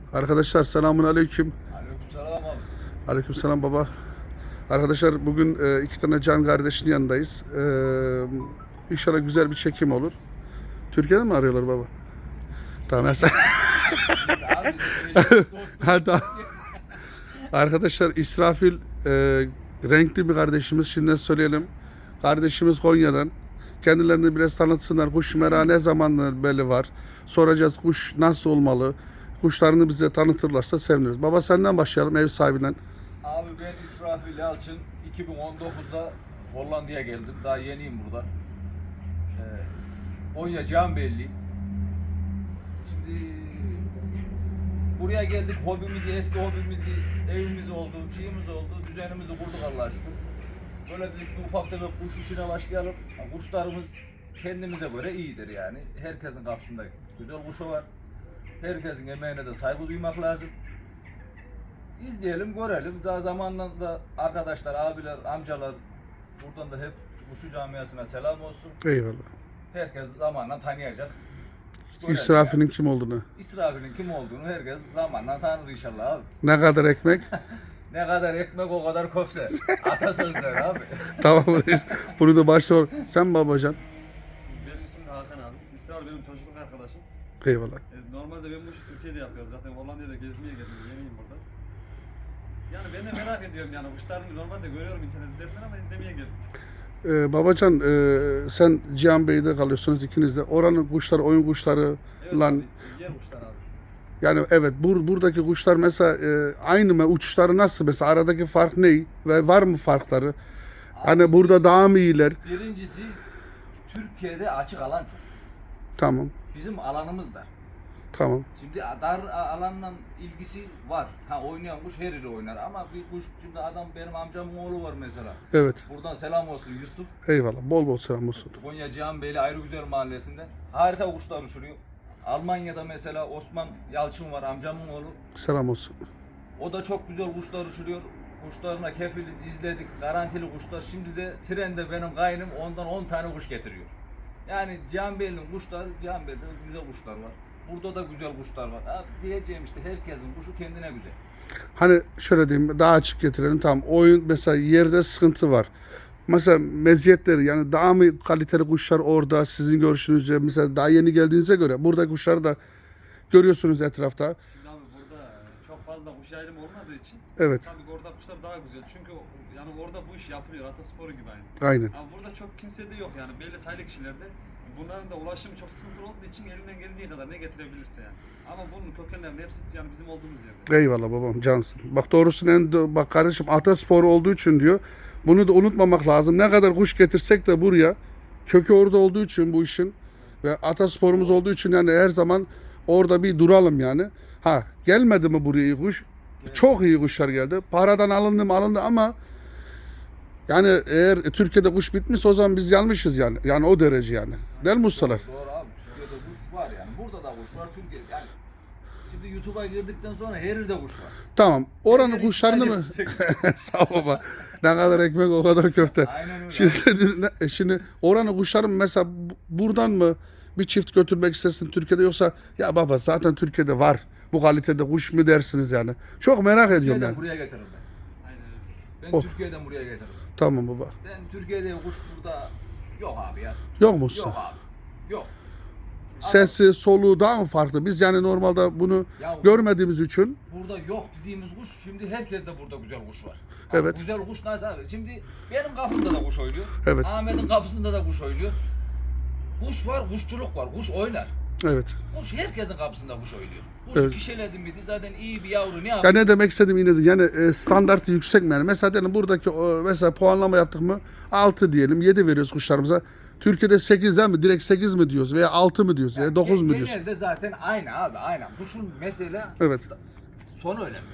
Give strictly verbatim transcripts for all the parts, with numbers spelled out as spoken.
Arkadaşlar selamun aleyküm. Aleykümselam abi. Aleykümselam baba. Arkadaşlar bugün e, iki tane can kardeşin yanındayız. E, inşallah güzel bir çekim olur. Türkiye'den mi arıyorlar baba? Tamam. Sen... Abi biz Ha, tamam. Arkadaşlar İsrafil e, renkli bir kardeşimiz. Şimdi söyleyelim. Kardeşimiz Konya'dan. Kendilerini biraz tanıtsınlar. Kuş merakı ne zamandan beri var. Soracağız kuş nasıl olmalı. Kuşlarını bize tanıtırlarsa seviniriz. Baba senden başlayalım, ev sahibinden. Abi ben İsrafil Yalçın. iki bin on dokuzda Hollanda'ya geldim. Daha yeniyim burada. Ee, Konya Canbelliyim. Şimdi buraya geldik. Hobimizi, eski hobimizi, evimiz oldu, şeyimiz oldu. Düzenimizi kurduk Allah'a şükür. Böyle dedik bir ufak tefek kuş işine başlayalım. Kuşlarımız kendimize göre iyidir yani. Herkesin kapısında güzel kuşu var. Herkesin emeğine de saygı duymak lazım. İzleyelim, görelim. Daha zamanla da arkadaşlar, abiler, amcalar buradan da hep kuşu camiasına selam olsun. Eyvallah. Herkes zamanla tanıyacak. Görelim İsrafil'in yani. kim olduğunu. İsrafil'in kim olduğunu herkes zamanla tanır inşallah abi. Ne kadar ekmek? Ne kadar ekmek o kadar köfte. Atasözleri abi. Tamam reis. Bunu da başla. Sen babacan. Benim ismim Hakan abi. İsrail benim çocukluk arkadaşım. Eyvallah. E, normalde ben bu işi Türkiye'de yapıyorum. Zaten Hollanda'da gezmeye geldim. Yeniyim burada. Yani ben de merak ediyorum yani kuşlarını normalde görüyorum internet üzerinden ama izlemeye geldim. Ee, babacan e, sen Cihan Bey'de kalıyorsunuz ikiniz de. Oranın kuşları, oyun kuşları Evet lan. abi, yer kuşlar abi. Yani evet bur, buradaki kuşlar mesela e, aynı mı? Uçuşları nasıl mesela? Aradaki fark ne? Ve var mı farkları? Hani burada daha mı iyiler? Birincisi Türkiye'de açık alan çok. Tamam. Bizim alanımız dar. Tamam. Şimdi dar alanla ilgisi var. Ha oynayan kuş her yeri oynar ama bir kuş şimdi adam benim amcamın oğlu var mesela. Evet. Buradan selam olsun Yusuf. Eyvallah. Bol bol selam olsun. Konya Cihanbeyli Ayrıgüzel Mahallesi'nde. Harika kuşlar uçuruyor. Almanya'da mesela Osman Yalçın var amcamın oğlu. Selam olsun. O da çok güzel kuşlar uçuruyor. Kuşlarına kefiliz, izledik. Garantili kuşlar. Şimdi de trende benim kaynım ondan on tane kuş getiriyor. Yani Cihanbeyli'nin kuşları, Cihanbeyli'de güzel kuşlar var. Burada da güzel kuşlar var. Ha, diyeceğim işte herkesin kuşu kendine güzel. Hani şöyle diyeyim daha açık getirelim. Tamam oyun mesela yerde sıkıntı var. Mesela meziyetleri yani daha mı kaliteli kuşlar orada sizin görüşünüzce mesela daha yeni geldiğinize göre burada kuşları da görüyorsunuz etrafta. Şimdi abi burada çok fazla kuş ayrımı olmadığı için Evet. tabii orada kuşlar daha güzel. Çünkü yani orada bu iş yapılıyor. Atasporu gibi aynı. Aynen. Ama burada çok kimse de yok yani belli sayılı kişilerde. Bunların da ulaşımı çok sıkıntılı olduğu için elinden geldiği kadar ne getirebilirse yani. Ama bunun kökenlerinin hepsi yani bizim olduğumuz yerde. Eyvallah babam cansın. Bak doğrusu en bak kardeşim ataspor olduğu için diyor. Bunu da unutmamak lazım. Ne kadar kuş getirsek de buraya kökü orada olduğu için bu işin ve atasporumuz olduğu için yani her zaman orada bir duralım yani. Ha gelmedi mi buraya iyi kuş? Çok iyi kuşlar geldi. Paradan alındı mı alındı ama yani eğer Türkiye'de kuş bitmiş o zaman biz yanlışız yani. Yani o derece yani. Değil mi ustalar? Doğru abi. Türkiye'de kuş var yani. Burada da kuş var. Türkiye'de yani. Şimdi YouTube'a girdikten sonra her yerde kuş var. Tamam. Oranın Her kuşlarını İsrail mı? yapsak. Sağ ol baba. Ne kadar ekmek o kadar köfte. Aynen öyle. Şimdi, ne- şimdi oranın kuşların mesela bu- buradan mı bir çift götürmek istesin Türkiye'de yoksa ya baba zaten Türkiye'de var. Bu kalitede kuş mu dersiniz yani? Çok merak ediyorum Türkiye'den yani. buraya getiririm ben. Aynen öyle. Ben Of. Türkiye'den buraya getiririm. Tamam baba. Ben Türkiye'de kuş burada yok abi ya. Yok mu usta? Yok abi. Yok. Sesi, soluğu daha mı farklı? Biz yani normalde bunu Ya- görmediğimiz için Burada yok dediğimiz kuş şimdi herkeste burada güzel kuş var. Evet. Abi güzel kuş nasıl abi? Şimdi benim kapımda da kuş oynuyor. Evet. Ahmet'in kapısında da kuş oynuyor. Kuş var, kuşçuluk var. Kuş oynar. evet. Kuş herkesin kapısında kuş oynuyor. Kuş Evet. kişiledin miydi zaten iyi bir yavru ne Ya yapıyor? ne demek istediğim yine de yani e, standart yüksek mi yani? Mesela diyelim buradaki o, mesela puanlama yaptık mı altı diyelim yedi veriyoruz kuşlarımıza. Türkiye'de sekiz değil mi? Direkt sekiz mi diyoruz veya altı mı diyoruz veya dokuz mu diyoruz? Genelde zaten aynı abi aynen. Kuşun mesela Evet. sonu önemli.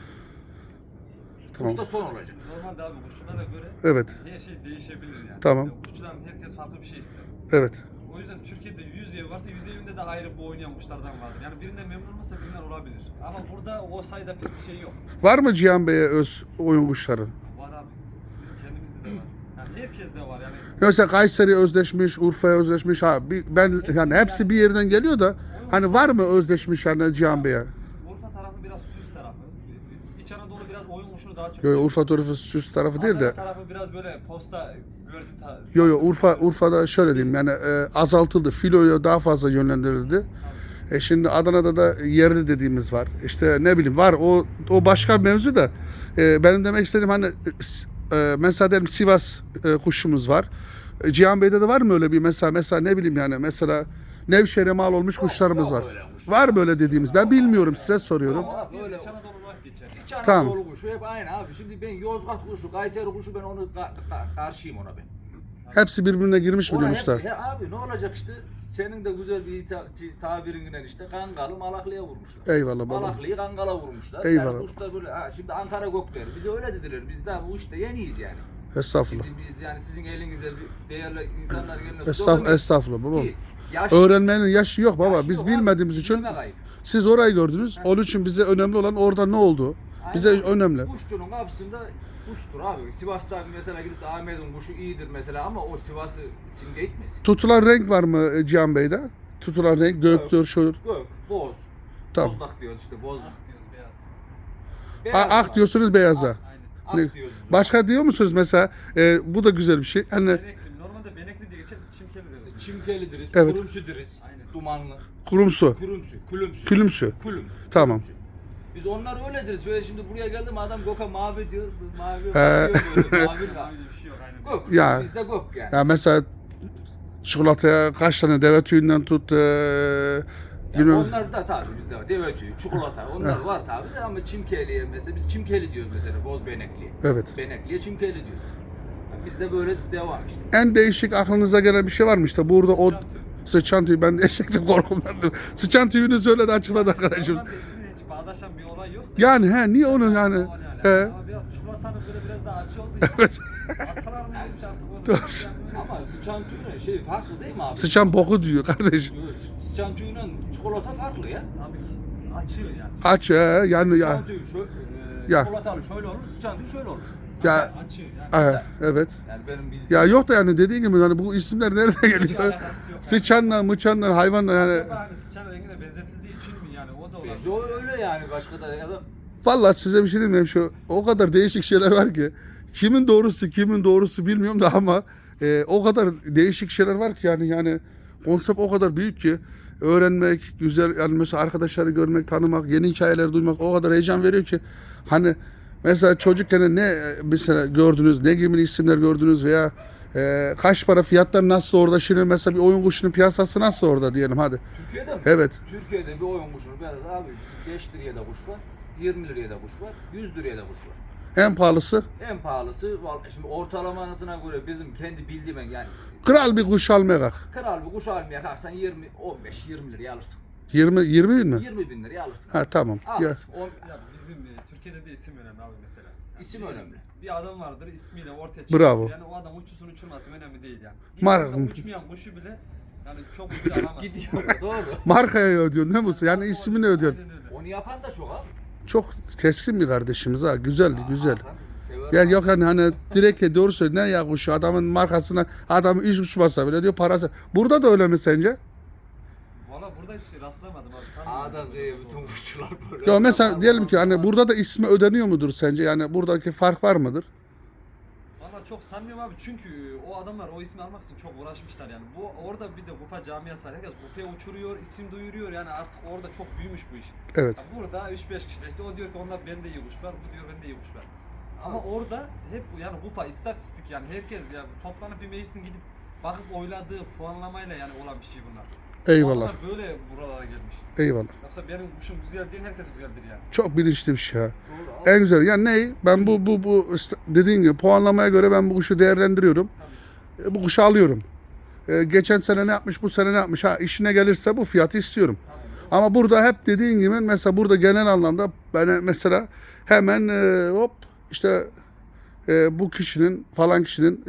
Tamam. Kuşta son olacak. Normalde abi kuşçulara göre Evet. her şey değişebilir yani. Tamam. Yani kuşçuların herkes farklı bir şey ister. Evet. O yüzden Türkiye'de yüz ev varsa yüz evinde de ayrı bu oynayan kuşlardan vardır. Yani birinden memnun olmasa birinden olabilir. Ama burada o sayıda pek bir şey yok. Var mı Cihan Bey'e öz oyun kuşları? Var abi. Bizim kendimizde de var. Yani herkes de var yani. Mesela Kayseri'ye özleşmiş, Urfa'ya özleşmiş. Ha, bir- ben yani hepsi bir yerden geliyor da hani var mı özleşmiş yani Cihan Bey'e? Urfa tarafı biraz süs tarafı. İç Anadolu biraz oyun kuşunu daha çok. Yo, yo, Urfa tarafı süs tarafı değil de. Adana tarafı biraz böyle posta güvercin tarafı. Yo yo Urfa Urfa'da şöyle diyeyim yani e, azaltıldı. Filoya daha fazla yönlendirildi. E şimdi Adana'da da yerli dediğimiz var. İşte ne bileyim var o o başka bir mevzu da e, benim demek istediğim hani e, mesela derim Sivas e, kuşumuz var. E, Cihan Bey'de de var mı öyle bir mesela mesela ne bileyim yani mesela Nevşehir'e mal olmuş kuşlarımız yok var. öyle kuş. Var böyle dediğimiz. Ben bilmiyorum size soruyorum. Ama böyle İç Anadolu olarak geçer. İç Anadolu Tamam. kuşu hep aynı abi. Şimdi ben Yozgat kuşu, Kayseri kuşu ben onu ka- ka- karşıyım ona ben. Hepsi birbirine girmiş mi Ona diyorsun hep- usta? he abi ne olacak işte senin de güzel bir ta- tabirinden işte Kangalı Malaklı'ya vurmuşlar. Eyvallah baba. Malaklı'yı Kangal'a vurmuşlar. Eyvallah. Yani kuşlar böyle ha, şimdi Ankara Gökler bize öyle dediler. Biz daha bu işte yeniyiz yani. Estağfurullah. Şimdi biz yani sizin elinize bir değerli insanlar eline Estağfurullah, sokamayız. estağfurullah baba. Ki yaş- Öğrenmenin yaşı yok baba. yaşı Biz yok abi, bilmediğimiz için bilmemek ayıp. siz orayı gördünüz. Onun için bize önemli olan orada ne oldu? Bize Aynen. önemli. Kuşçunun kapısında kuştur abi. Sivas'ta mesela gidip de Ahmet'in kuşu iyidir mesela ama o Sivas'ı simge etmesin. Tutulan renk var mı e, Cihan Bey'de? Tutulan renk göktür, şudur. Gök, boz. Tamam. Bozlak diyoruz işte boz. Ak diyoruz beyaz. Beyaz A- ak var. diyorsunuz beyaza. Aynen. Ak Ne- diyoruz biz. Başka diyor musunuz mesela? E, bu da güzel bir şey. Hani Benekli. Normalde benekli diye geçer. Biz çimkeli deriz. Çimkeli deriz, Evet. kurumsu deriz. Aynen. Dumanlı. kurumsu, Kurumsu, külümsü. külümsü. Külüm. Tamam. Külümsü. Biz onlar öyle deriz. Ve şimdi buraya geldim adam Gök'e mavi diyor. Mavi He. diyor böyle mavi Daha var. önce bir şey yok aynen. Gök. Ya. Bizde Gök yani. Ya mesela çikolataya kaç tane deve tüyünden tut, e, Yani bilmem. onlar da tabii bizde var. Deve tüyü, çikolata onlar var tabii de ama çimkeliye mesela biz çimkeli diyoruz mesela boz benekliye. Evet. Benekliye çimkeli diyoruz. Yani bizde böyle devam işte. En değişik aklınıza gelen bir şey var mı işte burada o sıçan tüyü ben de eşeklik korkumdandır. Sıçan tüyünü söyledi açıkladı arkadaşım. Normalde ismiyle hiç bağdaşan bir olay yok. Yani he niye onu yani O he. Ama biraz çikolatanın böyle biraz daha acı olduğu için. Atalar mı demiş artık onu. Ama sıçan tüyüyle şey farklı değil mi abi? Sıçan boku diyor kardeşim. Yok, sıçan tüyüyle çikolata farklı ya. Tabii ki. Açıyor yani. Aç he yani ya. Sıçan tüyü şöyle, e, Ya. çikolatalı şöyle olur, sıçan tüyü şöyle olur. Ya Açıyor yani. he, evet. Yani benim bildiğim Ya yok da yani dediğin gibi yani bu isimler nereden Hiç geliyor? alakası yok. Sıçanla, mıçanla, hayvanla yani. Acaba hani sıçan rengine benzetildiği için mi yani o da olabilir. bence o öyle yani başka da ya da Vallahi size bir şey diyeyim mi? Şu o kadar değişik şeyler var ki kimin doğrusu kimin doğrusu bilmiyorum da ama e, o kadar değişik şeyler var ki yani yani konsept o kadar büyük ki öğrenmek güzel yani mesela arkadaşları görmek tanımak yeni hikayeler duymak o kadar heyecan veriyor ki hani mesela çocukken ne e, mesela gördünüz ne gibi isimler gördünüz veya e, kaç para fiyatlar nasıl orada şimdi mesela bir oyun kuşunun piyasası nasıl orada diyelim hadi. Türkiye'de mi? Evet. Türkiye'de bir oyun kuşunu biraz abi beş liraya da kuş var, yirmi liraya da kuş var, yüz liraya da kuş var. En pahalısı En pahalısı vallahi şimdi ortalamasına göre bizim kendi bildiğim yani kral bir kuş almaya kalk. kral bir kuş almaya kalksan yirmi, on beş, yirmi liraya alırsın. yirmi yirmi bin mi? yirmi bin liraya alırsın. Ha tamam. Ya. Alırsın. On, Ya bizim e, Türkiye'de de isim önemli abi mesela. Yani İsim bir- önemli. Bir adam vardır ismiyle ortaya çıkıyor. Bravo. Yani o adam uçusun uçurmasın önemli değil yani. Mar- Bir anda uçmayan kuşu bile yani çok ucuz alamaz. gidiyor doğru. Markaya ödüyorsun değil mi? Yani ismini ödüyorsun. Aynen öyle. Onu yapan da çok abi. Çok keskin bir kardeşimiz ha. Güzeldi güzel. Hakan sever Yani abi. yok hani hani direkt doğru söylüyor. Ne ya kuşu adamın markasına adamı iş uçmasa bile diyor parası. Burada da öyle mi sence? Valla burada hiç rastlamadım abi. Sanmıyorum. A'dan Z'ye bütün kuşçular böyle. Ya mesela diyelim ki hani burada da ismi ödeniyor mudur sence? Yani buradaki fark var mıdır? Valla çok sanmıyorum abi çünkü o adamlar o ismi almak için çok uğraşmışlar yani. Bu orada bir de kupa camiası var. Herkes kupaya uçuruyor, isim duyuruyor yani artık orada çok büyümüş bu iş. Evet. Ya burada üç beş kişi de işte o diyor ki onlar bende iyi kuş var, bu diyor bende iyi kuş var. Ama orada hep bu yani kupa istatistik yani herkes ya toplanıp bir meclisin gidip bakıp oyladığı puanlamayla yani olan bir şey bunlar. Eyvallah. Onlar böyle buralara gelmiş. Eyvallah. Yoksa benim kuşum güzel değil herkes güzeldir yani. Çok bilinçli bir şey ha. Doğru abi. En güzel. Yani ne? Ben bu bu bu ist- dediğin gibi puanlamaya göre ben bu kuşu değerlendiriyorum. Tabii. E, bu kuşu alıyorum. E, geçen sene ne yapmış, bu sene ne yapmış? Ha işine gelirse bu fiyatı istiyorum. Ama burada hep dediğin gibi mesela burada genel anlamda ben mesela hemen e, hop işte e, bu kişinin falan kişinin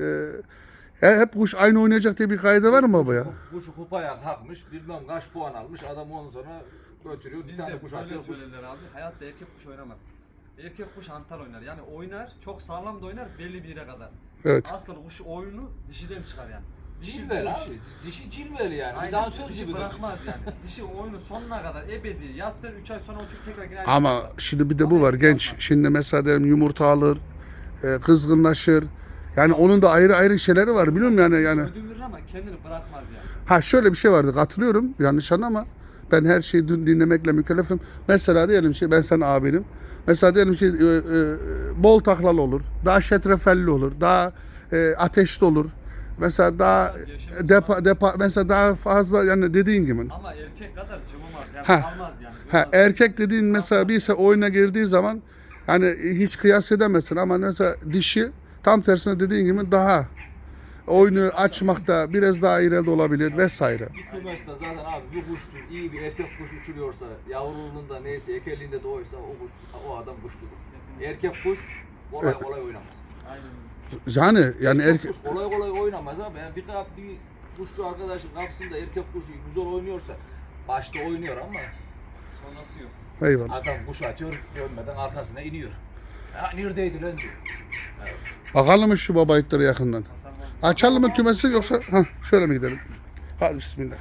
e, e, hep kuş aynı oynayacak diye bir kaide var mı baba ya? Kuşu kupaya kalkmış, bilmem kaç puan almış, adam ondan sonra götürüyor, bir Biz tane de kuş böyle atıyor, kuş. söylerler abi. Hayatta erkek kuş oynamaz. Erkek kuş antal oynar. Yani oynar, çok sağlam da oynar belli bir yere kadar. Evet. Asıl kuş oyunu dişiden çıkar yani. Cilveli abi. Dişi cilveli yani. Bir Aynen, dansöz dişi gibi. bırakmaz yani. Dişi oyunu sonuna kadar ebedi yatır, üç ay sonra uçup tekrar girer. Ama şimdi bir de bu var genç. Şimdi mesela diyelim yumurta alır, e, kızgınlaşır. Yani onun da ayrı ayrı şeyleri var biliyor musun yani yani. Ödün verir ama kendini bırakmaz yani. Ha şöyle bir şey vardı katılıyorum yanlış anlama. Ben her şeyi dün dinlemekle mükellefim. Mesela diyelim ki ben senin abinim. Mesela diyelim ki e, e, bol taklalı olur. Daha şetrefelli olur. Daha e, ateşli olur. Mesela daha e, depa, depa mesela daha fazla yani dediğin gibi. Ama erkek kadar cıvımaz yani Ha. almaz yani. Ha, erkek dediğin mesela birse oyuna girdiği zaman hani hiç kıyas edemezsin ama mesela dişi tam tersine dediğin gibi daha oyunu açmakta biraz daha ileride olabilir vesaire. Bir kümeste zaten abi bir kuşçu iyi bir erkek kuş uçuruyorsa yavruluğunda neyse ekeliğinde doğuysa o kuş o adam kuşçudur. Erkek kuş kolay kolay oynamaz. Aynen. Yani yani Erkek erkek kuş kolay kolay oynamaz abi. Yani bir kap bir kuşçu arkadaşın kapısında erkek kuşu güzel oynuyorsa başta oynuyor ama Sonrası yok. eyvallah. adam kuş atıyor dönmeden arkasına iniyor. Ha neredeydi lan diyor. Evet. Bakalım mı şu baba itleri yakından. Açalım mı kümesi yoksa ha şöyle mi gidelim? Hadi bismillah.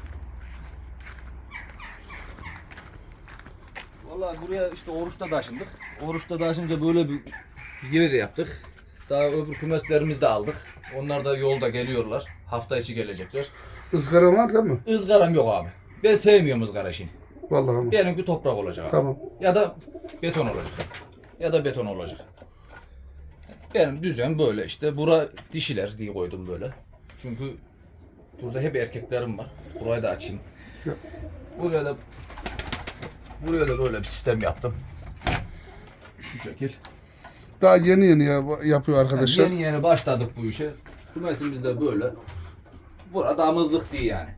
Vallahi buraya işte oruçta taşındık. Oruçta taşınca böyle bir yer yaptık. Daha öbür kümeslerimizi de aldık. Onlar da yolda geliyorlar. Hafta içi gelecekler. Izgara var değil mi? Izgaram yok abi. Ben sevmiyorum ızgara işini. Vallahi ama. Benimki toprak olacak abi. Tamam. Ya da beton olacak. Ya da beton olacak. Benim düzen böyle işte. Bura dişiler diye koydum böyle. Çünkü burada hep erkeklerim var. Burayı da açayım. Ya. Buraya da buraya da böyle bir sistem yaptım. Şu şekil. Daha yeni yeni ya, yapıyor arkadaşlar. Yani yeni yeni başladık bu işe. Kümesimiz de böyle. Burada damızlık değil yani.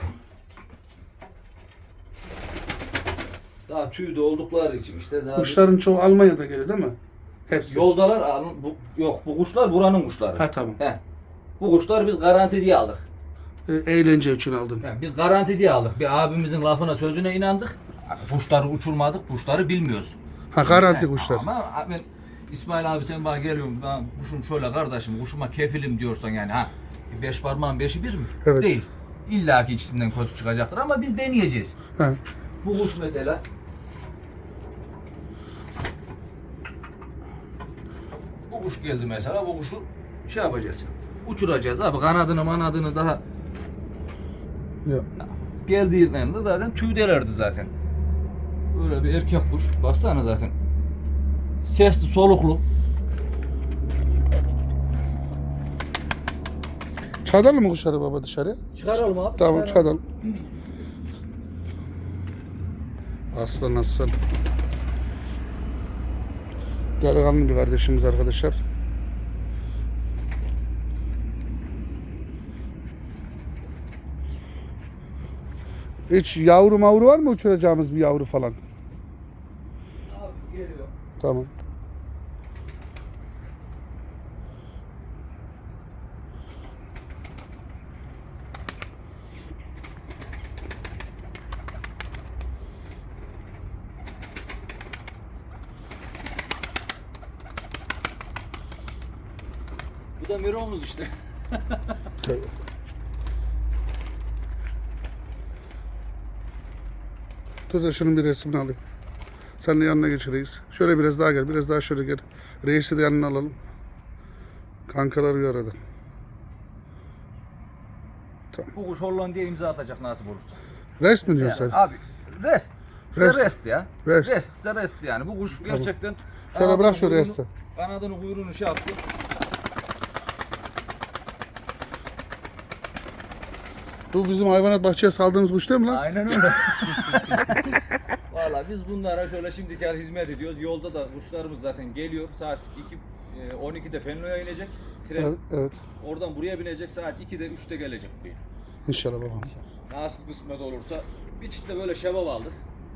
Daha tüyde oldukları için işte. Daha Kuşların çoğu Almanya'da geliyor değil mi? Hepsi. Yoldalar alın- bu, yok bu kuşlar buranın kuşları. Ha tamam. He. Bu kuşlar biz garanti diye aldık. E, eğlence için aldın. Yani biz garanti diye aldık. Bir abimizin lafına sözüne inandık. Kuşları uçurmadık, kuşları bilmiyoruz. Ha garanti Yani kuşlar. Ama ben İsmail abi sen bana geliyorsun ben kuşum şöyle kardeşim kuşuma kefilim diyorsan yani ha beş parmağın beşi bir mi? Evet. Değil. İlla ki ikisinden kötü çıkacaktır ama biz deneyeceğiz. Ha. Bu kuş mesela bu kuş geldi mesela bu kuşu şey yapacağız. Uçuracağız abi kanadını manadını daha Ya. geldiğinde zaten tüydelerdi zaten. Böyle bir erkek kuş. Baksana zaten. Sesli, soluklu. Çadalım mı kuşları baba dışarıya? Çıkaralım abi. Tamam çıkaralım. çadalım. Aslan aslan. Delikanlı bir kardeşimiz arkadaşlar. Hiç yavru mavru var mı uçuracağımız bir yavru falan? Abi geliyor. Tamam. Bu da Miro'muz işte. Tabii. Dur da şunun bir resmini alayım. Sen de yanına geç reis. Şöyle biraz daha gel. Biraz daha şöyle gel. Reisi de yanına alalım. Kankalar bir arada. Bu kuş Hollanda'ya imza atacak nasip olursa. Rest mi diyorsun Yani sen? abi rest. Ise Rest. rest, ya. Rest. Rest ise rest yani. Bu kuş gerçekten Şöyle kanadını, bırak şu kuyruğunu- resti. Kanadını kuyruğunu şey yaptı. Bu bizim hayvanat bahçeye saldığımız kuş değil mi lan? Aynen öyle. Valla biz bunlara şöyle şimdiki hizmet ediyoruz. Yolda da kuşlarımız zaten geliyor. Saat iki, e, on ikide Fenlo'ya inecek. Tren Evet, evet. oradan buraya binecek. Saat ikide üçte gelecek buraya. İnşallah babam. Nasıl kısmet olursa. Bir çift de böyle şebap aldık.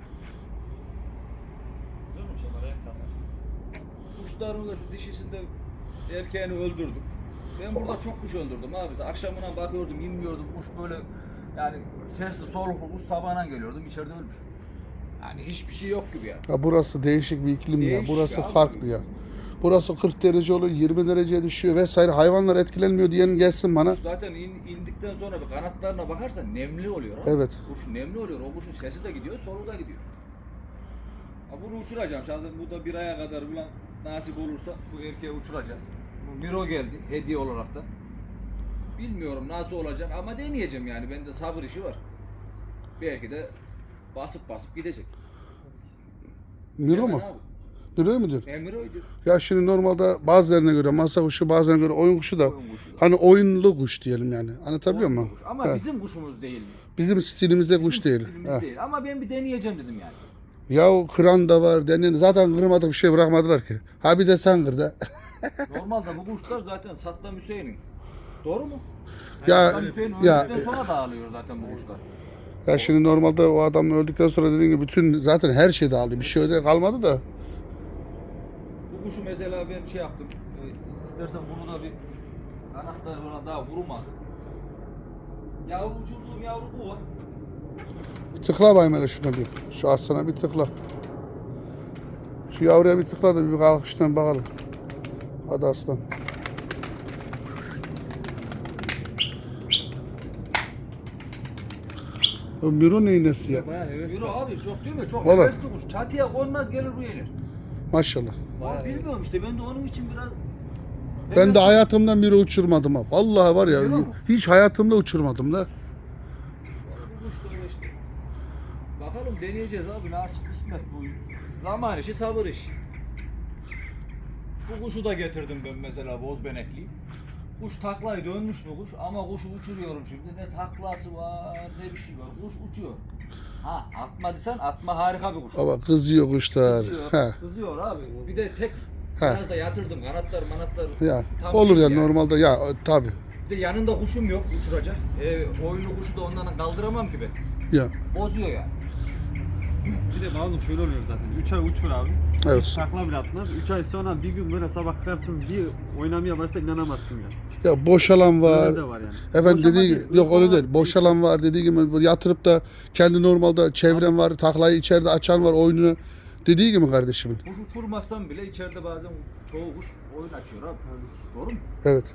Güzel olmuş onlar en tamam. Kuşlarımızda şu dişisinde erkeğini öldürdük. Ben burada çok kuş öldürdüm abi. Akşamına bakıyordum, inmiyordum. Kuş böyle yani sesli soluklu kuş sabahına geliyordum. İçeride ölmüş. Yani hiçbir şey yok gibi ya. Ya burası değişik bir iklim ya. Değişik Burası abi. farklı ya. Burası kırk derece oluyor, yirmi dereceye düşüyor vesaire. Hayvanlar etkilenmiyor diyen gelsin bana. Kuş zaten in, indikten sonra bir kanatlarına bakarsan nemli oluyor. Abi. Evet. Kuş nemli oluyor. O kuşun sesi de gidiyor, soluğu da gidiyor. Ha, bunu uçuracağım. Zaten bu da bir aya kadar falan nasip olursa bu erkeği uçuracağız. Bu Miro geldi hediye olarak da. Bilmiyorum nasıl olacak ama deneyeceğim yani. Bende sabır işi var. Belki de basıp basıp gidecek. Miro Hemen mu? abi. Miro mu diyorsun? E, Miro'ydu. Ya şimdi normalde bazılarına göre masa kuşu, bazılarına göre oyun kuşu da Oyun kuşu da. hani oyunlu kuş diyelim yani. Anlatabiliyor muyum? Kuş. Ama Evet. bizim kuşumuz değil. Bizim stilimizde kuş Bizim değil. stilimiz Ha. değil. Ama ben bir deneyeceğim dedim yani. Ya o kıran da var. Denen, zaten kırmadık bir şey bırakmadılar ki. Ha bir de sen kır da. Normalde bu kuşlar zaten Saddam Hüseyin'in. Doğru mu? Ya Saddam Hüseyin ya öldükten sonra dağılıyor zaten bu kuşlar. ya şimdi normalde o adam öldükten sonra dediğin gibi bütün zaten her şey dağıldı. Bir şey öyle kalmadı da. Bu kuşu mesela ben şey yaptım. E, istersen bunu da bir anahtarı falan daha vurmadı. Yavru uçurduğum yavru bu var. Bir tıkla bayım hele şuna bir. Şu aslana bir tıkla. Şu yavruya bir tıkla da bir kalkıştan bakalım. Hadi aslan. O Miro neyin nesi ya? Bayağı heves. Yürü abi çok değil mi? Çok Vallahi. hevesli kuş. Çatıya konmaz gelir bu yenir. Maşallah. Var bilmiyorum işte ben de onun için biraz... Ben de hevesli- hayatımda Miro uçurmadım ha. Vallahi var ya Miro mu? hiç hayatımda uçurmadım da. Bu kuş böyle işte. Bakalım deneyeceğiz abi nasip kısmet bu. Zaman işi sabır işi. Bu kuşu da getirdim ben mesela bozbenekliyi. Kuş taklayı dönmüş bu kuş ama kuşu uçuruyorum şimdi. Ne taklası var ne bir şey var. Kuş uçuyor. Ha atma desen atma harika bir kuş. Baba kızıyor kuşlar. Kızıyor, He. kızıyor abi. Bir de tek He. biraz da yatırdım kanatlar manatlar. Ya tam olur değil ya yani. normalde ya tabi. Bir de yanında kuşum yok uçuracak. E, oyunlu kuşu da ondan kaldıramam ki ben. Ya Bozuyor yani. Bir de bazen şöyle oluyor zaten. üç ay uçur abi. Evet. Hiç takla bile atmaz. üç ay sonra bir gün böyle sabah kalkarsın bir oynamaya başla inanamazsın ya. ya boşalan var. Öyle de var yani. Efendim Boşanma dediği değil, gibi yok öyle uygulama değil. Boşalan var dediği gibi böyle yatırıp da kendi normalde çevrem var. Taklayı içeride açan var oyununu. Dediği gibi kardeşimin. Kuş uçurmazsam bile içeride bazen çoğu kuş oyun açıyor abi. Doğru mu? Evet.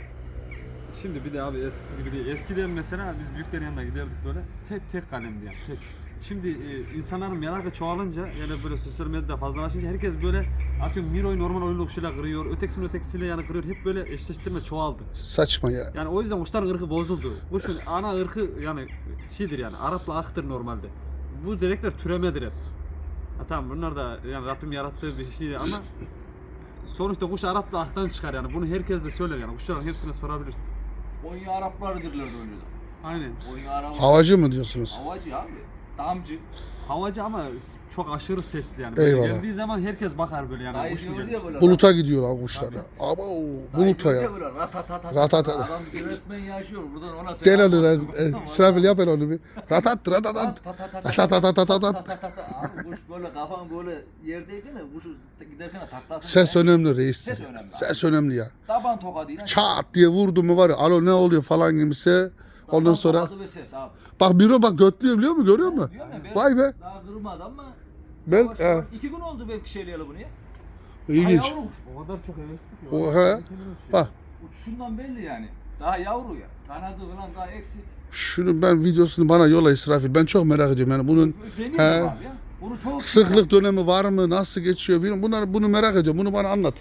Şimdi bir de abi eskisi gibi değil. Eskiden mesela biz büyüklerin yanına giderdik böyle tek tek kalemdi yani tek. Şimdi e, insanların merakı çoğalınca yani böyle sosyal medyada fazlalaşınca herkes böyle atıyorum Miro'yu normal oyun kuşuyla kırıyor, ötekisini ötekisiyle yani kırıyor. Hep böyle eşleştirme çoğaldı. Saçma ya. Yani o yüzden kuşların ırkı bozuldu. Kuşun ana ırkı yani şeydir yani Arap'la aktır normalde. Bu direkler türemedir hep. Ha, tamam bunlar da yani Rabbim yarattığı bir şey ama sonuçta kuş Arap'la aktan çıkar yani. Bunu herkes de söyler yani. Kuşların hepsine sorabilirsin. Konya Araplarıdırlar önceden. Aynen. Konya Arap. Havacı mı diyorsunuz? Havacı abi. Damcı. Havacı ama çok aşırı sesli yani. Eyvallah. Böyle geldiği zaman herkes bakar böyle yani. Dayı kuş mu diyor geldi? diye böyle. Buluta gidiyor lan kuşlar ya. Ama buluta ya. Ratatata. Ratata. Adam resmen yaşıyor. Buradan ona Gel selam onu lan. olsun. E, İsrafil yap hele onu bir. Ratat ratatat. Ratatatatat. Abi kuş böyle kafan böyle yerdeyken de kuşu giderken de taklasın. Ses önemli reis. Ses önemli. Ses önemli ya. Taban tokadıyla. Çat diye vurdu mu var ya. Alo ne oluyor falan gibisi. Ondan taban sonra tokadı ve ses abi. bak Miro bak götlüyor biliyor musun? Görüyor musun? Diyorum ya, ben Vay be. Daha kırmadı ama. Ben Yavaş he, yavaş- iki gün oldu belki şeyleyeli bunu ya. ilginç. Daha yavru kuş. O kadar çok hevesli ki. O he. Bak Uçuşundan belli yani. Daha yavru ya. Kanadı falan daha eksik. şunu ben videosunu bana yola İsrafil. Ben çok merak ediyorum yani bunun Deniyorum he, abi ya. Bunu çok sıklık dönemi var mı? Nasıl geçiyor bilmiyorum. Bunları bunu merak ediyorum. Bunu bana anlat.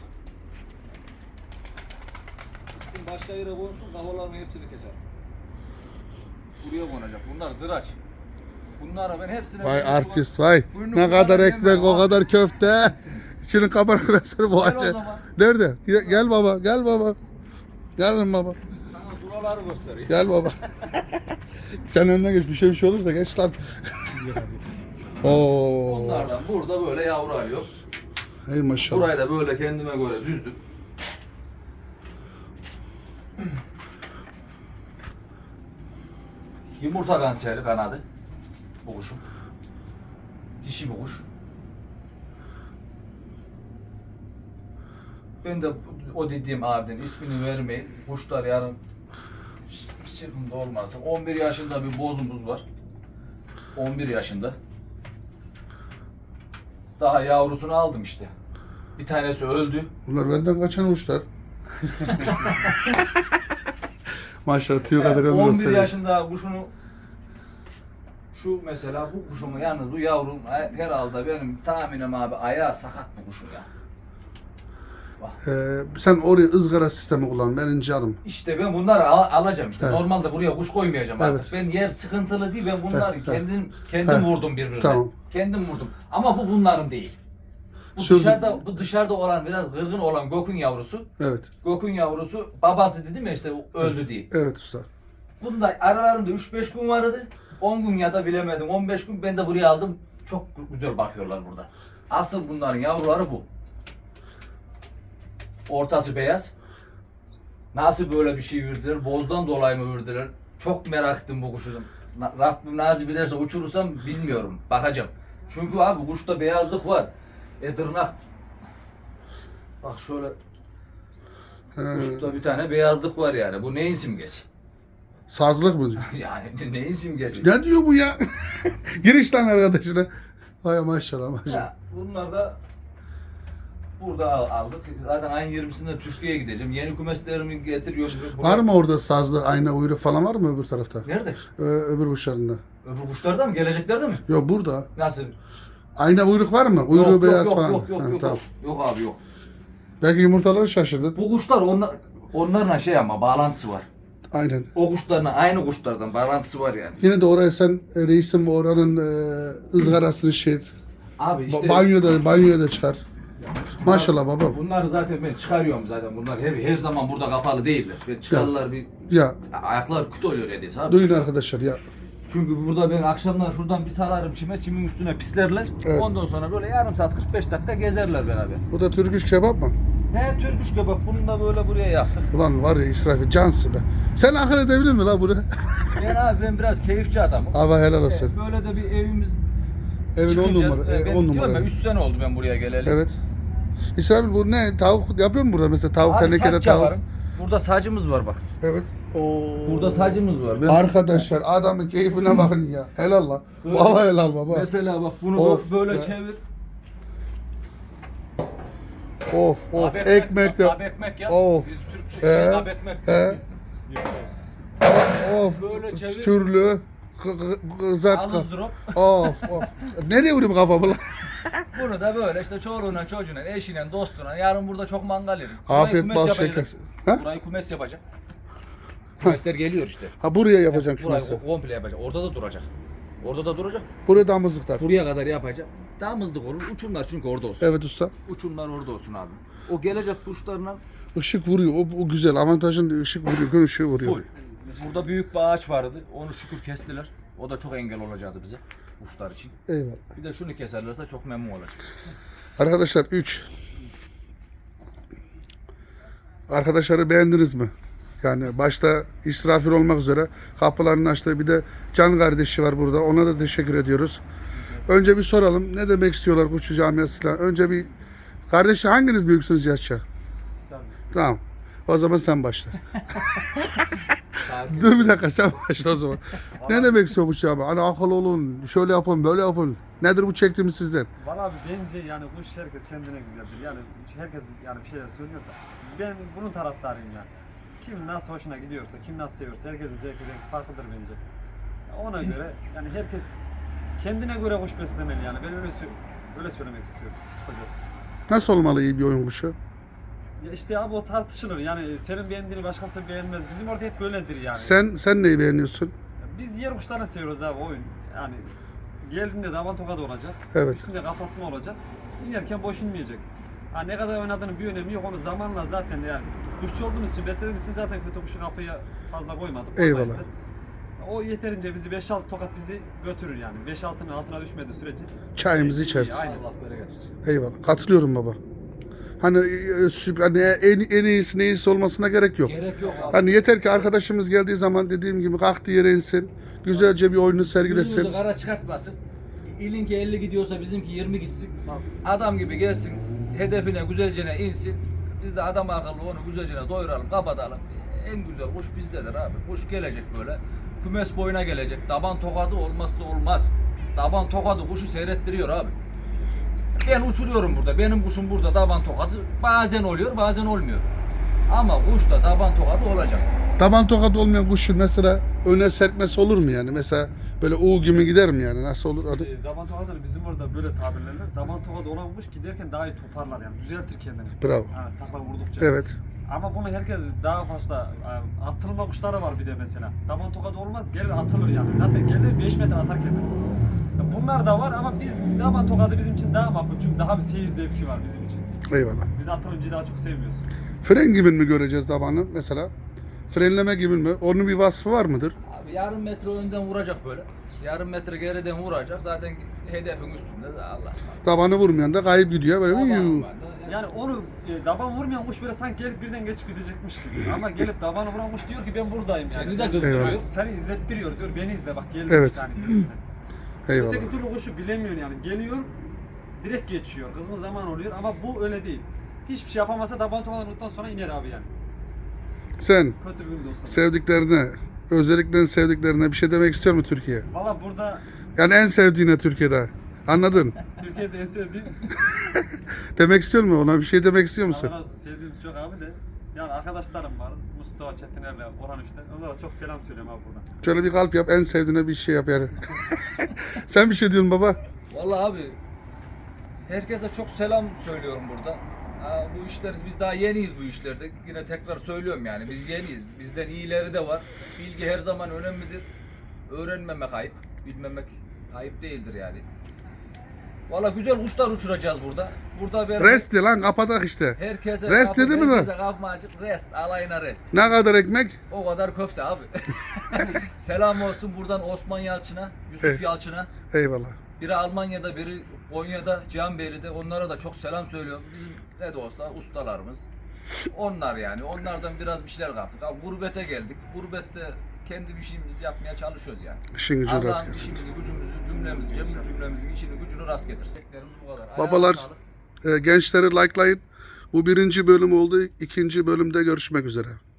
Sizin başka yere konsun kafaların hepsini keser. Buraya konacak. Bunlar zıraç. Bunlara ben hepsine... Vay burnu artist kulak- vay. burnu Ne kulak kadar yemiyorum ekmek, o abi. kadar köfte. İçinin kabarık ben seni Gel o boğacağım. zaman. Nerede? Gel, gel baba, gel baba. Gel lan baba. Sana zuraları göstereyim. Gel baba. Sen önden geç. Bir şey bir şey olursa geç lan. Oo. Onlardan burada böyle yavru arıyor. Hey maşallah. Burayı da böyle kendime göre düzdüm. Yumurta kanseri kanadı. Bu kuşun. Dişi bir kuş. Ben de o dediğim abiden ismini vermeyin. Kuşlar yarın bir sıkıntı olmasın. on bir yaşında bir bozumuz var. on bir yaşında. Daha yavrusunu aldım işte. Bir tanesi öldü. Bunlar benden kaçan uçlar. Maşallah tüy kadar ömür on bir olsun. yaşında kuşunu şu mesela bu kuşumu yalnız bu yavrum herhalde benim tahminim abi ayağı sakat bu kuşun ya. Ee, sen oraya ızgara sistemi kullan. Benim canım. İşte ben bunları al- alacağım işte. Evet. Normalde buraya kuş koymayacağım Evet. artık. Ben yer sıkıntılı değil. Ben bunları Evet, evet. kendim kendim Evet. vurdum birbirine. Tamam. Kendim vurdum. Ama bu bunların değil. Bu Sürdüm. dışarıda bu dışarıda olan biraz kırgın olan Gök'ün yavrusu. Evet. Gök'ün yavrusu babası dedim ya işte öldü diye. Evet usta. Bunda aralarında üç beş gün vardı. on gün ya da bilemedim on beş gün ben de buraya aldım. Çok güzel bakıyorlar burada. Asıl bunların yavruları bu. Ortası beyaz. Nasıl böyle bir şey verdiler? Bozdan dolayı mı verdiler? Çok merak ettim bu kuşu. Na- Rabbim nasip ederse uçurursam bilmiyorum. Bakacağım. Çünkü abi kuşta beyazlık var. E tırnak. Bak şöyle He, kuşta bir tane beyazlık var yani. Bu neyin simgesi? sazlık mı diyor? Yani neyin simgesi? Ne diyor bu ya? Giriş lan arkadaşına. Vay maşallah maşallah. Ya, bunlar da burada al- aldık. Zaten ayın yirmisinde Türkiye'ye gideceğim. Yeni kümeslerimi getiriyorum. Var mı orada sazlı ayna uyruk falan var mı öbür tarafta? Nerede? Ee, öbür uçlarında. Öbür kuşlarda mı? Geleceklerde mi? Yok burada. Nasıl? Ayna uyruk var mı? Uyruğu yok, beyaz yok, falan. Yok yok Ha, yok, tamam. yok. Yok abi yok. Belki yumurtaları şaşırdın. Bu kuşlar onlar, onlarla şey ama bağlantısı var. Aynen. O kuşlarla aynı kuşlardan bağlantısı var yani. Yine de oraya sen e, reisim oranın e, ızgarasını şey et. Abi Ba- işte banyoda banyoya da çıkar. Maşallah baba. bunları zaten ben çıkarıyorum zaten. Bunlar her, her zaman burada kapalı değiller. Ben çıkarırlar bir Ya ayaklar küt oluyor neredeyse abi. duyun arkadaşlar ya. Çünkü burada ben akşamlar şuradan bir salarım çime, çimin üstüne pislerler. Evet. Ondan sonra böyle yarım saat kırk beş dakika gezerler beraber. Bu da Türk iş kebap mı? He Türküş kebap bunu da böyle buraya yaptık. Ulan var ya İsrafil cansın be. Sen akıl edebilir mi la bunu? Ben abi ben biraz keyifçi adamım. Hava helal olsun. E, Böyle de bir evimiz Evin on çıkınca, numara. e, E, ben on diyorum ya numara. üç sene oldu ben buraya geleli. Evet. İsrafil bu ne? Tavuk yapıyor mu burada mesela? Tavuk Abi tenekede saç tavuk. yaparım. Burada sacımız var bak. Evet. Oo. Burada sacımız var. Ben Arkadaşlar adamın keyfine bakın ya. Helal la. Vallahi helal baba. mesela bak bunu Of böyle be. çevir. Of of. Abi Ekmek de. Abi ekmek ya. Of. Biz Türkçe Ee, şey, abi ekmek. He. Of. Böyle çevir. Türlü. kı- kı- Kızart. Yalnız drop. Of of. Nereye vurayım kafamı lan? Bunu da böyle işte çoluğuna, çocuğuna, eşine, dostuna yarın burada çok mangal yeriz. Burayı Afiyet kümes bal yapacağız. şeker. Ha? Burayı kümes yapacak. Kümesler geliyor işte. Ha buraya yapacağım şu Burayı mesela. komple yapacak. Orada da duracak. Orada da duracak. Buraya damızlıklar. Buraya kadar yapacak. Damızlık olur. Uçumlar çünkü orada olsun. Evet usta. Uçumlar orada olsun abi. O gelecek kuşlarla Işık vuruyor. O, o güzel. Avantajın ışık vuruyor. Gün ışığı vuruyor. full. Burada büyük bir ağaç vardı. Onu şükür kestiler. O da çok engel olacaktı bize. Kuşlar için. Eyvallah. Bir de şunu keserlerse çok memnun olacak. Arkadaşlar üç. Arkadaşları beğendiniz mi? Yani başta İsrafil olmak üzere kapılarını açtı. Bir de Can kardeşi var burada. Ona da teşekkür ediyoruz. Önce bir soralım. Ne demek istiyorlar Kuşçu Camiası'yla? Önce bir kardeşi hanginiz büyüksünüz yaşça? Tamam. O zaman sen başla. Dur bir dakika sen başla o zaman. Ne demek istiyor bu şey abi? Hani akıl olun, şöyle yapın, böyle yapın. Nedir bu çektiğimiz sizden? Valla abi bence yani kuş herkes kendine güzeldir. Yani herkes yani bir şeyler söylüyor da ben bunun taraftarıyım yani. Kim nasıl hoşuna gidiyorsa, kim nasıl seviyorsa herkesin zevki rengi farklıdır bence. Ona göre yani herkes kendine göre kuş beslemeli yani. Ben öyle sö- öyle söylemek istiyorum kısacası. Nasıl olmalı iyi bir oyun kuşu? Ya işte abi o tartışılır. Yani senin beğendiğini başkası beğenmez. Bizim orada hep böyledir yani. Sen sen neyi beğeniyorsun? Biz yer kuşlarını seviyoruz abi oyun. Yani geldiğinde davan tokadı olacak. Evet. Üstünde kapatma olacak. İnerken boş inmeyecek. Ha, ne kadar oynadığının bir önemi yok. Onu zamanla zaten yani kuşçu olduğumuz için, beslediğimiz için zaten kötü kuşu kapıya fazla koymadık. Eyvallah. Koymayız da. O yeterince bizi beş altı tokat bizi götürür yani. beş altının altına düşmediği sürece. Çayımızı İyi, içeriz. aynen. Allah bereket versin. Eyvallah. Katılıyorum baba. Hani, e, süp- hani en, en iyisi ne iyisi olmasına gerek yok. Gerek yok abi. Hani yeter ki arkadaşımız geldiği zaman dediğim gibi kalktı yere insin. Güzelce bir oyunu sergilesin. Yüzümüzü kara çıkartmasın. İlinki elli gidiyorsa bizimki yirmi gitsin. Adam gibi gelsin. Hedefine güzelce insin. Biz de adam akıllı onu güzelce doyuralım, kapatalım. En güzel kuş bizdedir abi. Kuş gelecek böyle. Kümes boyuna gelecek. Taban tokadı olmazsa olmaz. Taban tokadı kuşu seyrettiriyor abi. Ben uçuruyorum burada. Benim kuşum burada taban tokadı. Bazen oluyor, bazen olmuyor. Ama kuşta taban tokadı olacak. Taban tokat olmayan kuşun mesela öne serpmesi olur mu yani? Mesela böyle U gibi gider mi yani? Nasıl olur adı? E, daban tokadır bizim orada böyle tabirlerler. Daban tokadı olan kuş giderken daha iyi toparlar yani. Düzeltir kendini. Bravo. Yani takla vurdukça. Evet. Ama bunu herkes daha fazla e, atılma kuşları var bir de mesela. Daban tokadı olmaz gelir atılır yani. Zaten gelir beş metre atar kendini. Ya bunlar da var ama biz daban tokadı bizim için daha makul. Çünkü daha bir seyir zevki var bizim için. Eyvallah. Biz atılımcıyı daha çok sevmiyoruz. Fren gibi mi göreceğiz tabanı mesela? Frenleme gibi mi? Onun bir vasfı var mıdır? Abi yarım metre önden vuracak böyle. Yarım metre geriden vuracak. Zaten hedefin üstünde de Allah ısmarladık. Tabanı vurmayan da kayıp gidiyor böyle. Taban Yuu. var da- Yani onu e, daban vurmayan kuş böyle sanki gelip birden geçip gidecekmiş gibi. Ama gelip dabanı vuran kuş diyor ki ben buradayım yani. Seni de kızdırıyor. Eyvallah. Seni izlettiriyor diyor beni izle bak geldi Evet. bir tane birisine. Eyvallah. Öteki türlü kuşu bilemiyor yani. Geliyor, direkt geçiyor. Kızgın zaman oluyor ama bu öyle değil. Hiçbir şey yapamasa taban tokalandıktan sonra iner abi yani. Sen Kötü bir gün de olsa. sevdiklerine, özellikle sevdiklerine bir şey demek istiyor mu Türkiye? Valla burada Yani en sevdiğine Türkiye'de. Anladın? Türkiye'de en sevdiğim, Demek istiyor mu? Ona bir şey demek istiyor musun? Allah razı olsun, sevdiğim çok abi de. Yani arkadaşlarım var. Mustafa Çetiner'le Orhan Üç'ten. Onlara çok selam söylüyorum abi buradan. Şöyle bir kalp yap, en sevdiğine bir şey yap yani. Sen bir şey diyorsun baba. Vallahi abi herkese çok selam söylüyorum burada. Ha, bu işler biz daha yeniyiz bu işlerde. Yine tekrar söylüyorum yani biz yeniyiz. Bizden iyileri de var. Bilgi her zaman önemlidir. Öğrenmemek ayıp, bilmemek ayıp değildir yani. Vallahi güzel uçlar uçuracağız burada. Burada ben Rest de lan kapatak işte. herkese Rest kapı- dedi mi lan? herkese kapımı açıp rest, alayına rest. Ne kadar ekmek? O kadar köfte abi. Selam olsun buradan Osman Yalçın'a, Yusuf Evet. Yalçın'a. Eyvallah. Biri Almanya'da, biri Konya'da, Cihanbeyli'de. Onlara da çok selam söylüyorum. Bizim ne de olsa ustalarımız. Onlar yani. Onlardan biraz bir şeyler kaptık. Abi gurbete geldik. Gurbette kendi bir şeyimizi yapmaya çalışıyoruz yani. İşin gücün rast Allah'ın gelsin. işimizi, gücümüzü, cümlemizi, cemil cümlemizin işini, gücünü rast getirsin. Bu kadar. Ayağına Babalar, sağlık. e, gençleri likelayın. Bu birinci bölüm oldu. İkinci bölümde görüşmek üzere.